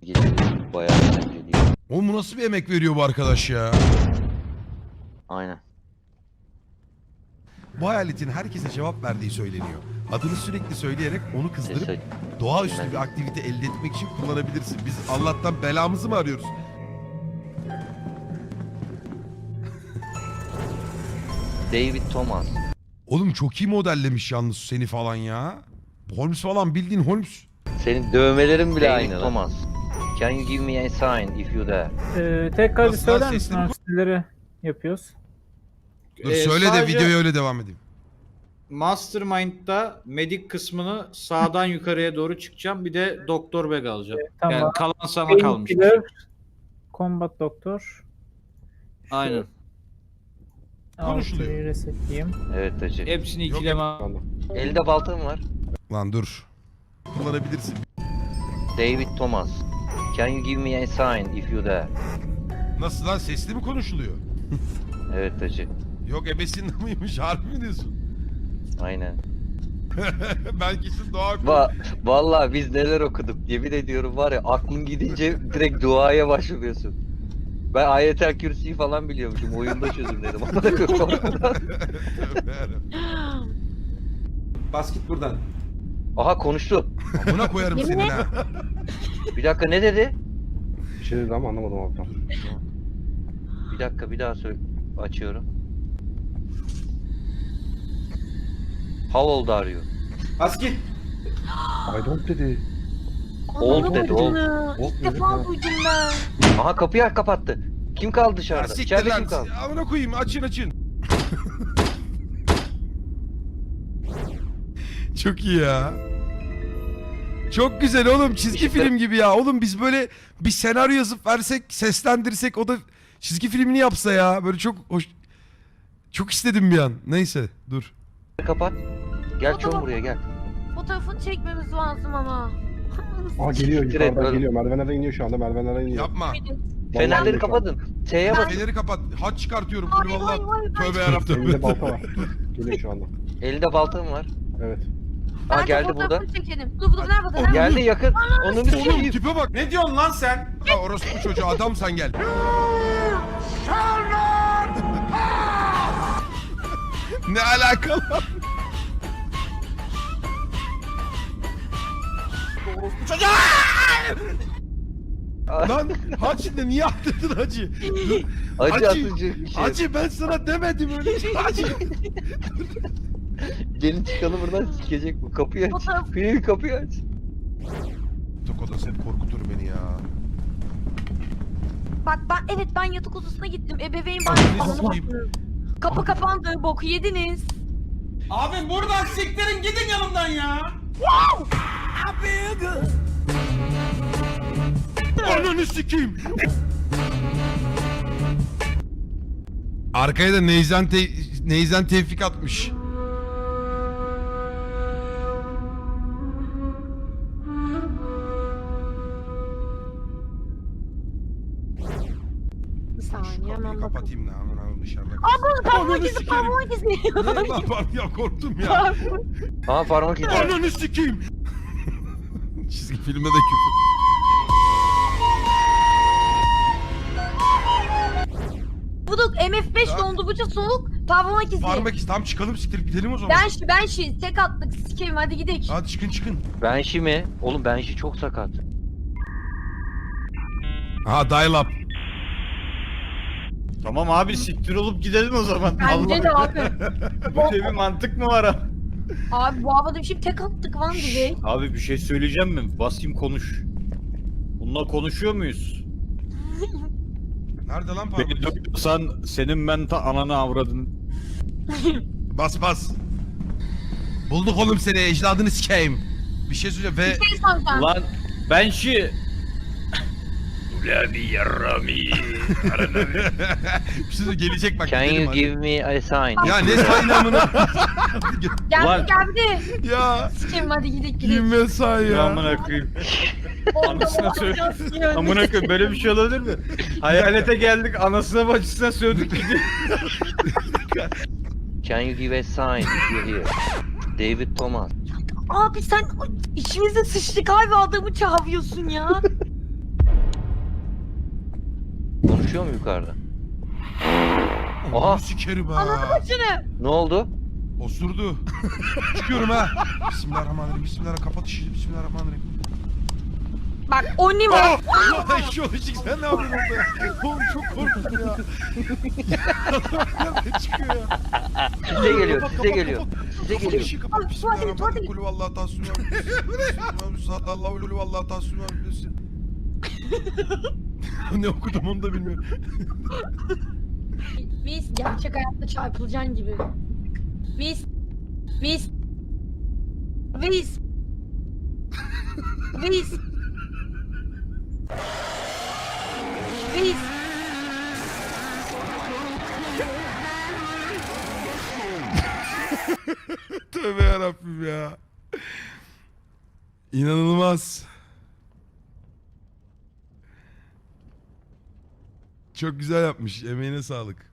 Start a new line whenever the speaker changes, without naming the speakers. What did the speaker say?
Bayağı eğlenceli.
Oğlum bu nasıl bir emek veriyor bu arkadaş ya?
Aynen.
Bu hayaletin herkese cevap verdiği söyleniyor. Adını sürekli söyleyerek onu kızdırıp doğaüstü bir aktivite elde etmek için kullanabilirsin. Biz Allah'tan belamızı mı arıyoruz?
David Thomas.
Oğlum çok iyi modellemiş yalnız seni falan ya. Holmes falan bildiğin Holmes.
Senin dövmelerin bile
David
aynı. Thomas. Can you give me a sign if you dare?
Tekrar bir
Nasıl
söyler
lan,
misin
sesini
abi? Neleri yapıyoruz?
Dur söyle de
Sadece
videoya öyle devam edeyim.
Mastermind'da medik kısmını sağdan yukarıya doğru çıkacağım. Bir de doktor bag alacağım.
Tamam.
Yani kalan sana kalmış.
Painkiller, Combat Doktor.
Aynen.
Konuşuluyor.
Altıyı resetleyeyim.
Evet hacı.
Hepsini
Yok,
ikileme.
Elde baltam var.
Lan dur. Kullanabilirsin.
David Thomas. Can you give me a sign if you dare?
Nasıl lan sesli mi konuşuluyor?
Evet hacı.
Yok ebesinde mıymış harbi mi diyorsun?
Aynen.
Ben kesin doğa
Vallahi biz neler okuduk. Yemin ediyorum var ya aklın gidince direkt duaya başvuruyorsun. Ben Ayetel Kürsi'yi falan biliyormuşum. Oyunda çözümledim.
Bas git buradan.
Aha konuştu.
Buna koyarım senin ha.
Bir dakika ne dedi?
Bir şey dedi ama anlamadım abi.
Bir dakika bir daha söyle. Açıyorum. How old are you?
Bas git. I don't dedi.
Old dedi old.
İlk
defa duydum ben.
Aha kapıyı kapattı. Kim kaldı
Ya
dışarıda?
siktir
İçeride
lan.
kim kaldı?
Amına koyayım açın. Çok iyi ya. Çok güzel oğlum çizgi
İşte-
film gibi ya. Oğlum biz böyle bir senaryo yazıp versek, seslendirsek o da çizgi filmini yapsa ya. Böyle çok hoş. Çok istedim bir an. Neyse dur.
Kapat. Gel çoğun buraya gel.
Fotoğrafını çekmemiz lazım ama.
Aa geliyor
Siktir et
yukarıdan
oğlum.
geliyor. Merdivenlerden iniyor şu anda. Merdivenlerden iniyor.
Yapma.
Fenerleri
geliyor şu an.
kapatın. T'ye bas.
Feneri kapat. Haç çıkartıyorum.
Hayır,
Kul
hayır,
vallahi.
hayır,
Tövbe
hayır.
yarabbim.
Elinde balta var. Geliyor şu anda.
Elinde baltam var.
Evet.
Ha
Bence
geldi burada.
fotoğrafını çekelim. Dur nerede?
Oğlum,
Geldi yakın. Onu bir
Oğlum
şey.
tipe bak.
Ne diyorsun lan sen?
Ha, orospu çocuğu adam sen gel. Ne alakalı? Lan Hacı niye attırdın Hacı?
Acı
Hacı,
atıcı bir şey.
Hacı ben sana demedim öyle şey Hacı.
Gelin çıkalım buradan sikecek bu. Kapıyı aç.
Fotoğraf-
Filmi kapıyı aç.
Yatak odası hep korkutur beni ya.
Bak ben yatak odasına gittim. Ebeveyn
Ananı
banyosu.
sikeyim.
Kapı kapandı. Boku yediniz.
Abi buradan siktirin gidin yanımdan ya.
Ananı sikeyim. Arkaya da Neyzen Tevfik atmış.
Bir saniye
Kapıyı
hemen bakalım.
kapatayım da aman dışarıda.
Parmak
Ananı
izi
sikerim.
parmak izi.
Ne lan pardon ya korktum ya.
Aha parmak izi.
Ananı sikeyim. Çizgi filmde de küfür.
Buduk MF5
Ya.
dondurucu soğuk. Parmak izi.
Parmak izi tam çıkalım siktirip gidelim o zaman.
Ben tek attık. Sikerim hadi gidelim.
Hadi çıkın.
Benşi mi? Oğlum Benşi çok sakat.
Aha dial up.
Tamam abi siktir olup gidelim o zaman.
Bence de abi.
Böyle bir mantık mı var ha?
Abi bu havada bir şey tek attık lan direkt.
Abi bir şey söyleyeceğim mi? Basayım konuş. Bununla konuşuyor muyuz?
Nerede lan parmak
Beni
izi?
duyuyorsan senin ben ta ananı avradın.
Bas. Bulduk oğlum seni ecdadını sikeyim. Bir şey söyleyeceğim ve...
Bir şey soracağım.
Lan ben şi... Ulan yarami.
bir şey gelecek bak.
Can
gidelim
you
hadi.
give me a sign?
Ya ne saynamını?
Geldi.
ya.
Sikerim hadi gidelim.
Girme say ya.
Amına koyayım. Anasına söyle. Amına koyayım böyle bir şey olabilir mi? Hayalete geldik anasına bacısına sövdük gidiyor.
Can you give a sign if you hear? David Thomas.
Abi sen içimize sıçtık abi adamı çağırıyorsun ya.
Konuşuyor mu yukarıda? Aha.
Onu sikerim ha.
Şunu.
Ne oldu?
Osurdu. Çıkıyorum ha. Bismillahirrahmanirrahim. Bismillahirrahmanirrahim. Kapat işini. Bismillahirrahmanirrahim.
Bak o ne var?
Eşyolojik sen ne yapıyorsun orada ya? Oğlum çok korktum ya. Nerede çıkıyor ya?
Size geliyor,
Kapat,
size
kapat,
geliyor.
kapat.
Size
Kapat
geliyor.
işi, kapat.
Tuvalete,
Bismillahirrahmanirrahim.
tuvalete.
Kulü vallahi tasvim Sallallahu aleyhi ve vallahi tasvim Ne okudum onu da bilmiyorum.
Biz gerçek hayatta çarpılacaksın gibi. Biz. Biz. Biz. Biz. Biz.
Tövbe yarabbim ya. İnanılmaz. Çok güzel yapmış. Emeğine sağlık.